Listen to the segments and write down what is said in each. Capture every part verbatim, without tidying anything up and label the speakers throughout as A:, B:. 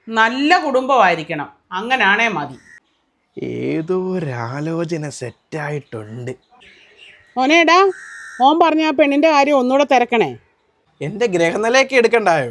A: നല്ല കുടുംബമായിരിക്കണം, അങ്ങനാണേ മതി.
B: ഏതോ ഒരാലോചന സെറ്റായിട്ടുണ്ട്.
A: ഓനേടാ, ഓൻ പറഞ്ഞ ആ പെണ്ണിന്റെ കാര്യം ഒന്നുകൂടെ തിരക്കണേ.
B: എന്റെ ഗ്രഹനിലയൊക്കെ എടുക്കണ്ടായോ?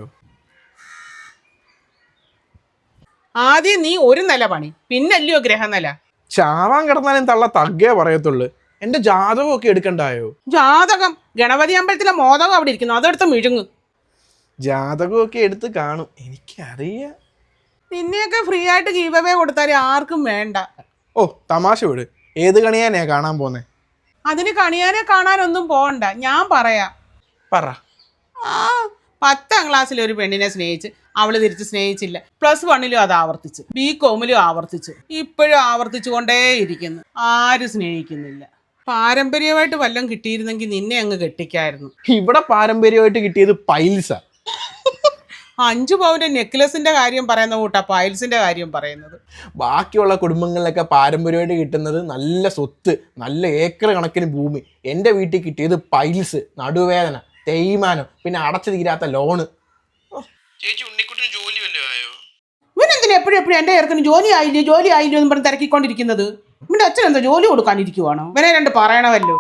A: ആദ്യം നീ ഒരു നില പണി, പിന്നല്ലയോ ഗ്രഹനില.
B: ചാവാൻ കിടന്നാലും തള്ള തഗ്ഗേ പറയത്തുള്ളു. എന്റെ ജാതകമൊക്കെ എടുക്കണ്ടായോ?
A: ജാതകം ഗണപതി അമ്പലത്തിലെ മോദകം അവിടെ ഇരിക്കുന്നു, അതെടുത്ത് മിഴുങ്ങ്.
B: ജാതകമൊക്കെ എടുത്ത് കാണും, എനിക്കറിയാം.
A: നിന്നെയൊക്കെ ഫ്രീ ആയിട്ട് ഗീവവേ കൊടുത്താൽ ആർക്കും വേണ്ട.
B: ഓ തമാശ വിട്. ഏത് കണിയാനേ കാണാൻ പോന്നെ?
A: അതിന് കണിയാനെ കാണാനൊന്നും പോകണ്ട, ഞാൻ പറയാം.
B: പറ.
A: ആ പത്താം ക്ലാസ്സിൽ ഒരു പെണ്ണിനെ സ്നേഹിച്ച് അവള് തിരിച്ച് സ്നേഹിച്ചില്ല. പ്ലസ് വണ്ണിലും അത് ആവർത്തിച്ചു, ബി കോമിലും ആവർത്തിച്ചു, ഇപ്പോഴും ആവർത്തിച്ചു കൊണ്ടേയിരിക്കുന്നു. ആരും സ്നേഹിക്കുന്നില്ല. പാരമ്പര്യമായിട്ട് വല്ലതും കിട്ടിയിരുന്നെങ്കിൽ നിന്നെ അങ്ങ് കെട്ടിക്കായിരുന്നു.
B: ഇവിടെ പാരമ്പര്യമായിട്ട് കിട്ടിയത് പൈൽസാ.
A: അഞ്ചു പവന്റെ നെക്ലസിന്റെ കാര്യം പറയുന്ന കൂട്ടാ പൈൽസിന്റെ കാര്യം പറയുന്നത്.
B: ബാക്കിയുള്ള കുടുംബങ്ങളിലൊക്കെ പാരമ്പര്യമായിട്ട് കിട്ടുന്നത് നല്ല സ്വത്ത്, നല്ല ഏക്കർ കണക്കിന് ഭൂമി. എൻ്റെ വീട്ടിൽ കിട്ടിയത് പൈൽസ്, നടുവേദന, തേയ്മാനം, പിന്നെ അടച്ചു തീരാത്ത ലോണ്. ചേച്ചി ഉണ്ണിക്കുട്ടിന് ജോലി വല്ലതും ആയോ?
A: ഇവനെന്തിനാ എപ്പോഴും എപ്പോഴും എൻ്റെ ചേർക്കിന് ജോലി ആയില്ലേ ജോലി ആയില്ലോ എന്ന് പറഞ്ഞ് തിരക്കിക്കൊണ്ടിരിക്കുന്നത്? ഇവന്റെ അച്ഛൻ എന്താ ജോലി കൊടുക്കാനിരിക്കുവാണോ? ഇവനെ രണ്ട് പറയണമല്ലോ.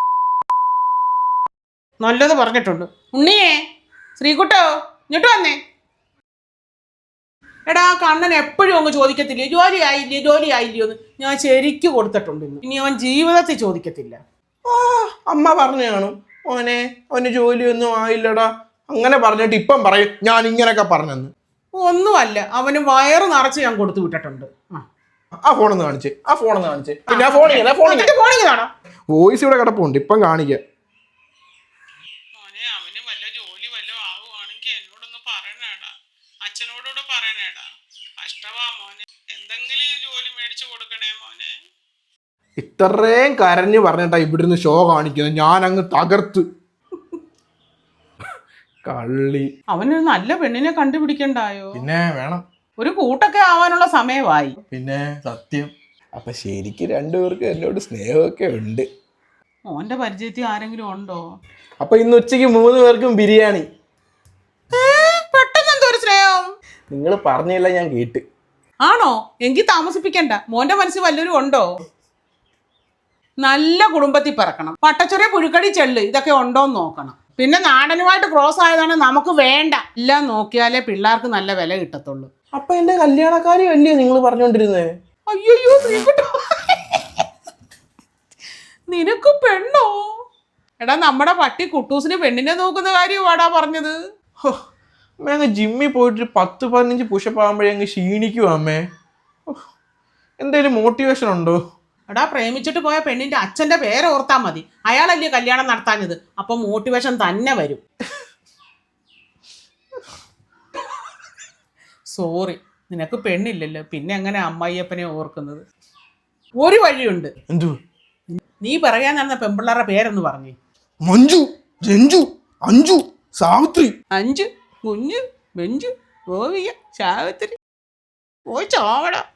A: നല്ലത് പറഞ്ഞിട്ടുണ്ട്. ഉണ്ണിയേ, ശ്രീകുട്ടോ, ഇങ്ങോട്ട് വന്നേ. എടാ കണ്ണൻ എപ്പോഴും അങ്ങ് ചോദിക്കത്തില്ലേ ജോലി ആയില്ലേ ജോലി ആയില്ലയോ എന്ന്? ഞാൻ ശരിക്കും കൊടുത്തിട്ടുണ്ട്. ഇനി അവൻ ജീവിതത്തിൽ ചോദിക്കത്തില്ല.
B: ആ അമ്മ പറഞ്ഞു കാണും, മോനെ അവന് ജോലിയൊന്നും ആയില്ലടാ, അങ്ങനെ പറഞ്ഞിട്ട് ഇപ്പം പറയും ഞാൻ ഇങ്ങനെയൊക്കെ പറഞ്ഞെന്ന്.
A: ഒന്നുമല്ല, അവന് വയറ് നിറച്ച് ഞാൻ കൊടുത്തു വിട്ടിട്ടുണ്ട്.
B: ആ ഫോണൊന്ന് കാണിച്ച്, ആ ഫോണൊന്ന് കാണിച്ച്. പിന്നെ ആ ഫോണിങ്ങനെ ഫോണിങ് കാണാം. വോയിസ് ഇവിടെ കിടപ്പുണ്ട്, ഇപ്പം കാണിക്കാം.
A: അവന് വല്ല ജോലി വല്ല ആവുകയാണെങ്കിൽ എന്നോടൊന്ന് പറയണേടാ, അച്ഛനോടൂടെ പറയണേടാ. കഷ്ടവാ മോനെ, എന്തെങ്കിലും ജോലി മേടിച്ചു കൊടുക്കണേ മോനെ.
B: ഇത്രയും കരഞ്ഞു പറഞ്ഞിട്ടാ ഇവിടുന്ന് ഷോ കാണിക്കുന്നത്. ഞാൻ അങ്ങ് തകർത്ത്. കള്ളി.
A: അവനൊരു നല്ല പെണ്ണിനെ കണ്ടുപിടിക്കണ്ടായോ?
B: പിന്നെ വേണം.
A: ഒരു കൂട്ടൊക്കെ ആവാനുള്ള സമയമായി.
B: പിന്നെ സത്യം. അപ്പൊ ശരിക്കും രണ്ടുപേർക്ക് എന്നോട് സ്നേഹമൊക്കെ ഉണ്ട്.
A: മോന്റെ പരിചയത്തിൽ ആരെങ്കിലും ഉണ്ടോ?
B: അപ്പൊ ഇന്ന് ഉച്ചയ്ക്ക് മൂന്ന് പേർക്കും ബിരിയാണി.
A: പെട്ടെന്ന് എന്തോ ഒരു സ്നേഹം.
B: നിങ്ങൾ പറഞ്ഞില്ല, ഞാൻ കേട്ട്.
A: ആണോ? എങ്കിൽ താമസിപ്പിക്കണ്ട. മോന്റെ മനസ്സിൽ വല്ലവരും ഉണ്ടോ? നല്ല കുടുംബത്തിൽ പിറക്കണം. പട്ടച്ചൊറിയ പുഴുക്കടി ചെള്ള് ഇതൊക്കെ ഉണ്ടോന്ന് നോക്കണം. പിന്നെ നാടനുമായിട്ട് ക്രോസ് ആയതാണ് നമുക്ക് വേണ്ട. എല്ലാം നോക്കിയാലേ പിള്ളേർക്ക് നല്ല വില കിട്ടത്തുള്ളൂ.
B: അപ്പൊ എന്റെ കല്യാണക്കാരി അല്ലേ നിങ്ങൾ പറഞ്ഞോണ്ടിരുന്നേ?
A: അയ്യോ നിനക്ക് പെണ്ണോ? എടാ നമ്മുടെ പട്ടി കുട്ടൂസിന് പെണ്ണിനെ നോക്കുന്ന കാര്യമാടാ പറഞ്ഞത്.
B: അങ്ങ് ജിമ്മിൽ പോയിട്ട് പത്ത് പതിനഞ്ച് പുഷപ്പ് ആകുമ്പോഴേ അങ്ങ് ക്ഷീണിക്കുവാ അമ്മേ. എന്തേലും മോട്ടിവേഷൻ ഉണ്ടോ?
A: എടാ പ്രേമിച്ചിട്ട് പോയ പെണ്ണിന്റെ അച്ഛന്റെ പേര് ഓർത്താ മതി. അയാളല്ലേ കല്യാണം നടത്താഞ്ഞത്. അപ്പൊ മോട്ടിവേഷൻ തന്നെ വരും. സോറി, നിനക്ക് പെണ്ണില്ലല്ലോ, പിന്നെ എങ്ങനെ അമ്മായിയപ്പനെ ഓർക്കുന്നത്? ഒരു വഴിയുണ്ട്.
B: എന്തു?
A: നീ പറയാൻ നടന്ന പെൺപിള്ളേരുടെ പേരൊന്ന് പറഞ്ഞേ.
B: മഞ്ജു, രഞ്ജു, അഞ്ജു, സാവിത്രി.
A: അഞ്ചു, കുഞ്ഞു, ബെഞ്ചു, ഗോവിക, സാവിത്രി. പോയി ചോവട.